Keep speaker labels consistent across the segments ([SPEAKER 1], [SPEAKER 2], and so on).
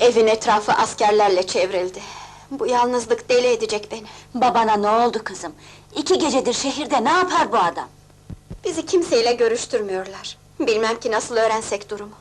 [SPEAKER 1] Evin etrafı askerlerle çevrildi. Bu yalnızlık deli edecek beni.
[SPEAKER 2] Babana ne oldu kızım? 2 gecedir şehirde, ne yapar bu adam?
[SPEAKER 1] Bizi kimseyle görüştürmüyorlar. Bilmem ki nasıl öğrensek durumu.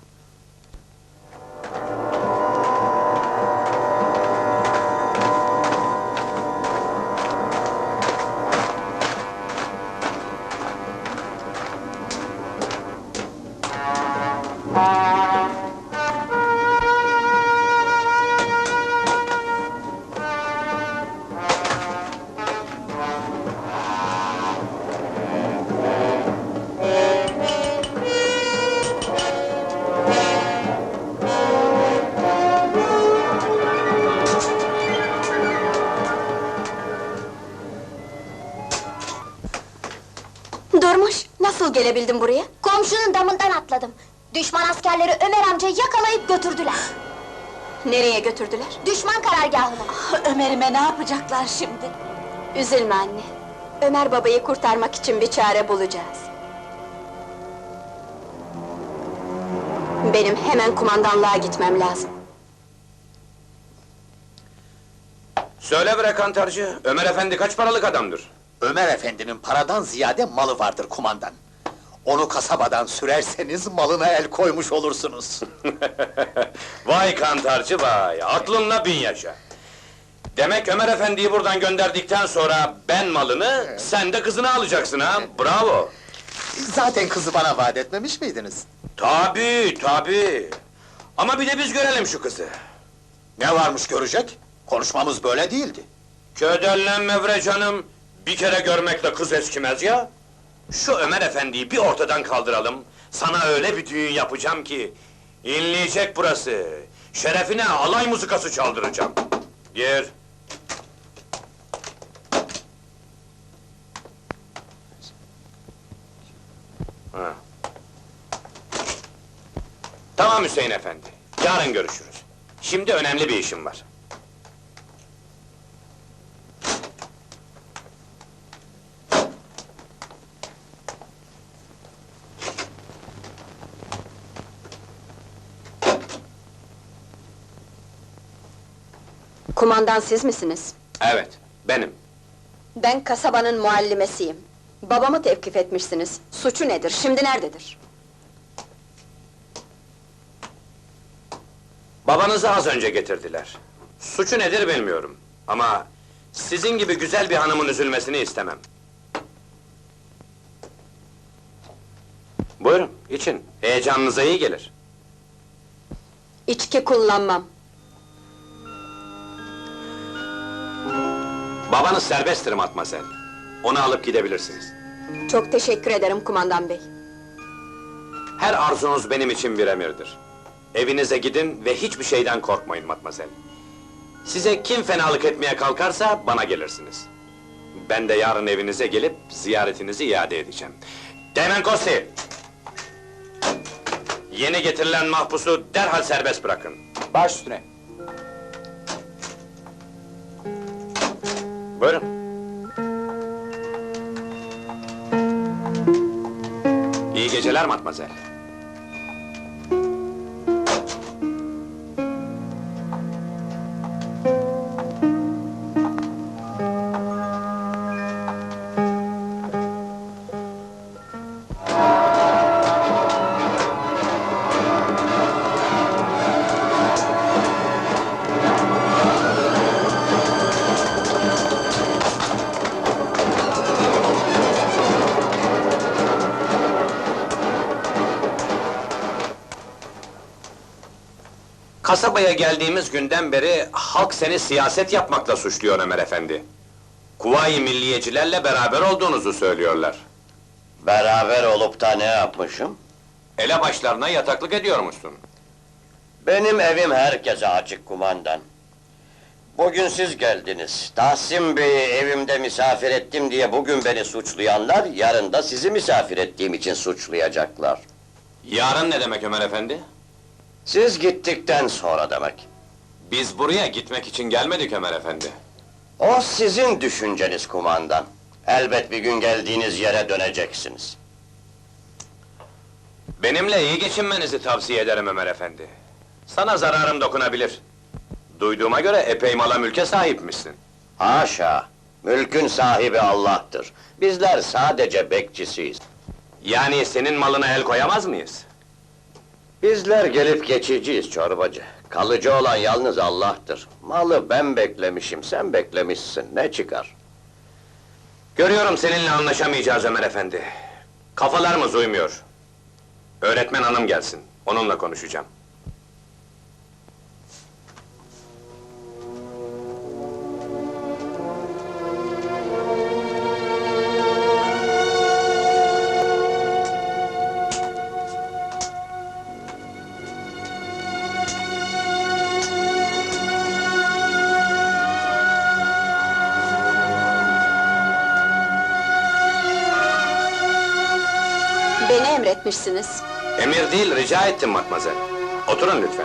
[SPEAKER 1] Durmuş, nasıl gelebildin buraya?
[SPEAKER 3] Komşunun damından atladım. Düşman askerleri Ömer amcayı yakalayıp götürdüler.
[SPEAKER 1] Nereye götürdüler?
[SPEAKER 3] Düşman karargahına.
[SPEAKER 2] Ömer'ime ne yapacaklar şimdi?
[SPEAKER 1] Üzülme anne. Ömer babayı kurtarmak için bir çare bulacağız. Benim hemen kumandanlığa gitmem lazım.
[SPEAKER 4] Söyle bre kantarcı, Ömer efendi kaç paralık adamdır?
[SPEAKER 5] Ömer efendinin paradan ziyade malı vardır kumandan. Onu kasabadan sürerseniz malına el koymuş olursunuz.
[SPEAKER 4] Vay kantarcı vay, aklınla bin yaşa! Demek Ömer efendiyi buradan gönderdikten sonra ben malını, sen de kızını alacaksın ha, bravo!
[SPEAKER 5] Zaten kızı bana vaat etmemiş miydiniz?
[SPEAKER 4] Tabii! Ama bir de biz görelim şu kızı!
[SPEAKER 5] Ne varmış görecek? Konuşmamız böyle değildi.
[SPEAKER 4] Ködellenme bre canım! Bir kere görmekle kız eskimez ya! Şu Ömer efendiyi bir ortadan kaldıralım, sana öyle bir düğün yapacağım ki... ...inleyecek burası! Şerefine alay muzikası çaldıracağım! Gir! Ha. Tamam Hüseyin efendi, yarın görüşürüz. Şimdi önemli bir işim var.
[SPEAKER 1] Kumandan siz misiniz?
[SPEAKER 4] Evet, benim.
[SPEAKER 1] Ben kasabanın muallimesiyim. Babamı tevkif etmişsiniz. Suçu nedir, şimdi nerededir?
[SPEAKER 4] Babanızı az önce getirdiler. Suçu nedir bilmiyorum. Ama... ...sizin gibi güzel bir hanımın üzülmesini istemem. Buyurun, için. Heyecanınıza iyi gelir.
[SPEAKER 1] İçki kullanmam.
[SPEAKER 4] Babanız serbesttir matmazel. Onu alıp gidebilirsiniz.
[SPEAKER 1] Çok teşekkür ederim kumandan bey.
[SPEAKER 4] Her arzunuz benim için bir emirdir. Evinize gidin ve hiçbir şeyden korkmayın matmazel. Size kim fenalık etmeye kalkarsa bana gelirsiniz. Ben de yarın evinize gelip ziyaretinizi iade edeceğim. Teğmen Kosti! Yeni getirilen mahpusu derhal serbest bırakın.
[SPEAKER 5] Baş üstüne.
[SPEAKER 4] Buyurun. İyi geceler matmazel. Kasabaya geldiğimiz günden beri halk seni siyaset yapmakla suçluyor Ömer efendi. Kuvayi milliyecilerle beraber olduğunuzu söylüyorlar.
[SPEAKER 6] Beraber olup da ne yapmışım?
[SPEAKER 4] Elebaşlarına yataklık ediyormuşsun.
[SPEAKER 6] Benim evim herkese açık kumandan. Bugün siz geldiniz. Tahsin Bey'i evimde misafir ettim diye bugün beni suçlayanlar, yarın da sizi misafir ettiğim için suçlayacaklar.
[SPEAKER 4] Yarın ne demek Ömer efendi?
[SPEAKER 6] Siz gittikten sonra demek.
[SPEAKER 4] Biz buraya gitmek için gelmedik Ömer efendi.
[SPEAKER 6] O sizin düşünceniz kumandan. Elbet bir gün geldiğiniz yere döneceksiniz.
[SPEAKER 4] Benimle iyi geçinmenizi tavsiye ederim Ömer efendi. Sana zararım dokunabilir. Duyduğuma göre epey mala mülke sahipmişsin.
[SPEAKER 6] Haşa! Mülkün sahibi Allah'tır. Bizler sadece bekçisiyiz.
[SPEAKER 4] Yani senin malına el koyamaz mıyız?
[SPEAKER 6] Bizler gelip geçiciyiz çorbacı. Kalıcı olan yalnız Allah'tır. Malı ben beklemişim, sen beklemişsin. Ne çıkar?
[SPEAKER 4] Görüyorum seninle anlaşamayacağız Ömer efendi. Kafalarımız uymuyor. Öğretmen hanım gelsin, onunla konuşacağım.
[SPEAKER 1] Beni emretmişsiniz.
[SPEAKER 4] Emir değil, rica ettim matmazel. Oturun lütfen.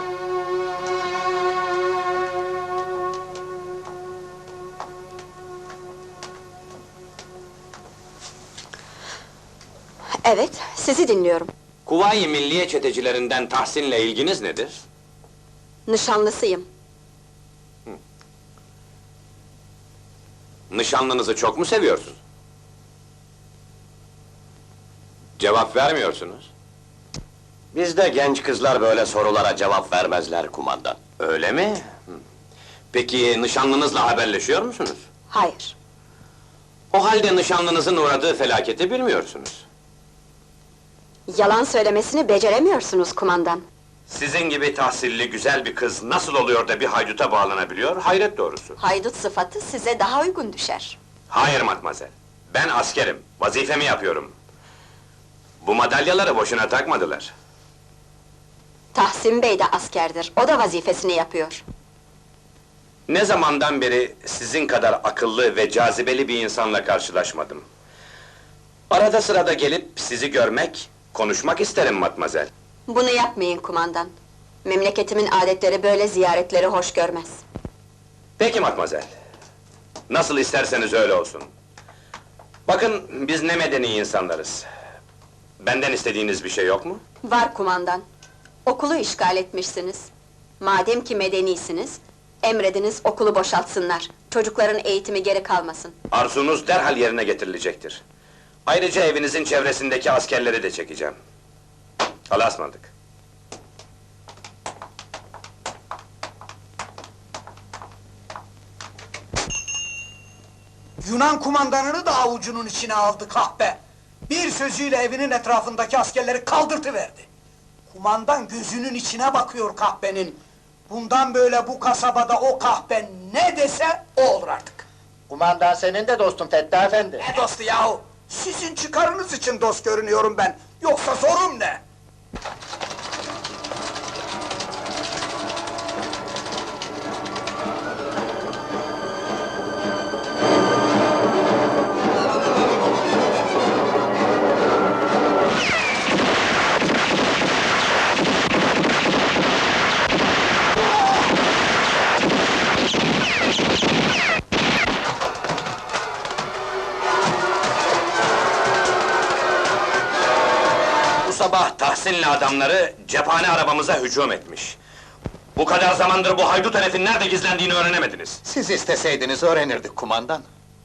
[SPEAKER 1] Evet, sizi dinliyorum.
[SPEAKER 4] Kuvayi Milliye çetecilerinden Tahsin'le ilginiz nedir?
[SPEAKER 1] Nişanlısıyım.
[SPEAKER 4] Nişanlınızı çok mu seviyorsunuz? Cevap vermiyorsunuz.
[SPEAKER 6] Bizde genç kızlar böyle sorulara cevap vermezler kumandan.
[SPEAKER 4] Öyle mi? Peki nişanlınızla haberleşiyor musunuz?
[SPEAKER 1] Hayır.
[SPEAKER 4] O halde nişanlınızın uğradığı felaketi bilmiyorsunuz.
[SPEAKER 1] Yalan söylemesini beceremiyorsunuz kumandan.
[SPEAKER 4] Sizin gibi tahsilli güzel bir kız nasıl oluyor da bir hayduta bağlanabiliyor, hayret doğrusu.
[SPEAKER 1] Haydut sıfatı size daha uygun düşer.
[SPEAKER 4] Hayır matmazel, ben askerim, vazifemi yapıyorum. Bu madalyaları boşuna takmadılar.
[SPEAKER 1] Tahsin Bey de askerdir, o da vazifesini yapıyor.
[SPEAKER 4] Ne zamandan beri sizin kadar akıllı ve cazibeli bir insanla karşılaşmadım. Arada sırada gelip sizi görmek, konuşmak isterim matmazel.
[SPEAKER 1] Bunu yapmayın kumandan. Memleketimin adetleri böyle ziyaretleri hoş görmez.
[SPEAKER 4] Peki matmazel. Nasıl isterseniz öyle olsun. Bakın, biz ne medeni insanlarız. Benden istediğiniz bir şey yok mu?
[SPEAKER 1] Var kumandan. Okulu işgal etmişsiniz. Madem ki medenisiniz, emrediniz okulu boşaltsınlar. Çocukların eğitimi geri kalmasın.
[SPEAKER 4] Arzunuz derhal yerine getirilecektir. Ayrıca evinizin çevresindeki askerleri de çekeceğim. Allah'a ısmarladık.
[SPEAKER 7] Yunan kumandanını da avucunun içine aldı kahpe. Bir sözüyle evinin etrafındaki askerleri kaldırtıverdi. Kumandan gözünün içine bakıyor kahpenin. Bundan böyle bu kasabada o kahpe ne dese o olur artık.
[SPEAKER 5] Kumandan senin de dostun Fettah Efendi.
[SPEAKER 7] Ne dostu yahu? Sizin çıkarınız için dost görünüyorum ben. Yoksa sorum ne?
[SPEAKER 4] Bu sabah Tahsin'le adamları cephane arabamıza hücum etmiş. Bu kadar zamandır bu haydut herifin nerede gizlendiğini öğrenemediniz.
[SPEAKER 5] Siz isteseydiniz öğrenirdik kumandan.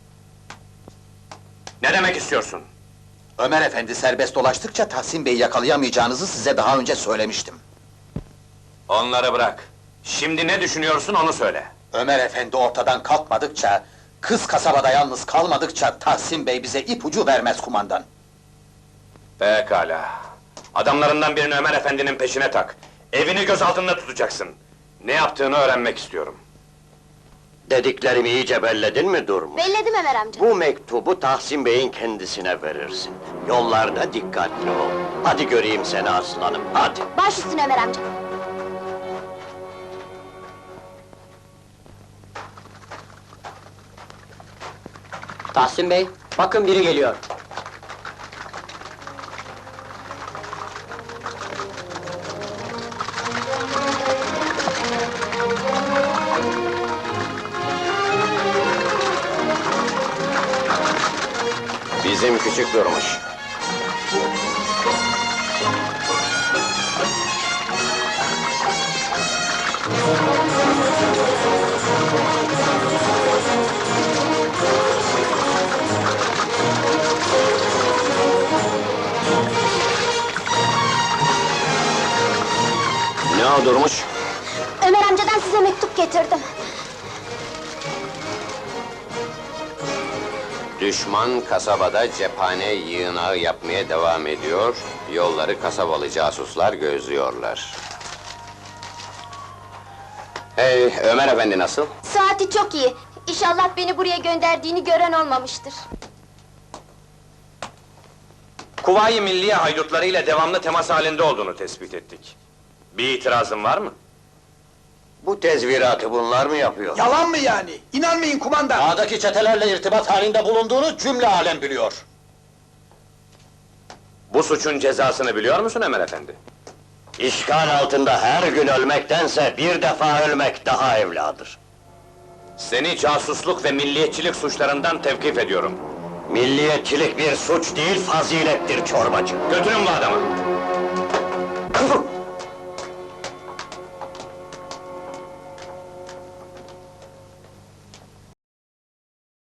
[SPEAKER 4] Ne demek istiyorsun?
[SPEAKER 5] Ömer Efendi serbest dolaştıkça Tahsin Bey'i yakalayamayacağınızı size daha önce söylemiştim.
[SPEAKER 4] Onları bırak. Şimdi ne düşünüyorsun onu söyle.
[SPEAKER 5] Ömer Efendi ortadan kalkmadıkça, kız kasabada yalnız kalmadıkça Tahsin Bey bize ipucu vermez kumandan.
[SPEAKER 4] Pekala. Adamlarından birini Ömer efendinin peşine tak. Evini göz altında tutacaksın. Ne yaptığını öğrenmek istiyorum.
[SPEAKER 6] Dediklerimi iyice belledin mi Durmuş?
[SPEAKER 3] Belledim Ömer amca.
[SPEAKER 6] Bu mektubu Tahsin Bey'in kendisine verirsin. Yollarda dikkatli ol. Hadi göreyim seni aslanım, hadi!
[SPEAKER 3] Baş üstüne Ömer amca.
[SPEAKER 8] Tahsin Bey, bakın biri geliyor.
[SPEAKER 6] Bizim küçük Durmuş.
[SPEAKER 3] getirdim.
[SPEAKER 4] Düşman kasabada cephane yığınağı yapmaya devam ediyor, yolları kasabalı casuslar gözlüyorlar. Hey, Ömer Efendi nasıl?
[SPEAKER 3] Saati çok iyi. İnşallah beni buraya gönderdiğini gören olmamıştır.
[SPEAKER 4] Kuvayi Milliye haydutlarıyla devamlı temas halinde olduğunu tespit ettik. Bir itirazın var mı?
[SPEAKER 6] Bu tezviratı bunlar mı yapıyor?
[SPEAKER 7] Yalan mı yani? İnanmayın kumandan!
[SPEAKER 5] Dağdaki çetelerle irtibat halinde bulunduğunu cümle alem biliyor.
[SPEAKER 4] Bu suçun cezasını biliyor musun Ömer Efendi?
[SPEAKER 6] İşgal altında her gün ölmektense bir defa ölmek daha evladır.
[SPEAKER 4] Seni casusluk ve milliyetçilik suçlarından tevkif ediyorum.
[SPEAKER 6] Milliyetçilik bir suç değil, fazilettir çorbacı.
[SPEAKER 4] Götürün bu adamı!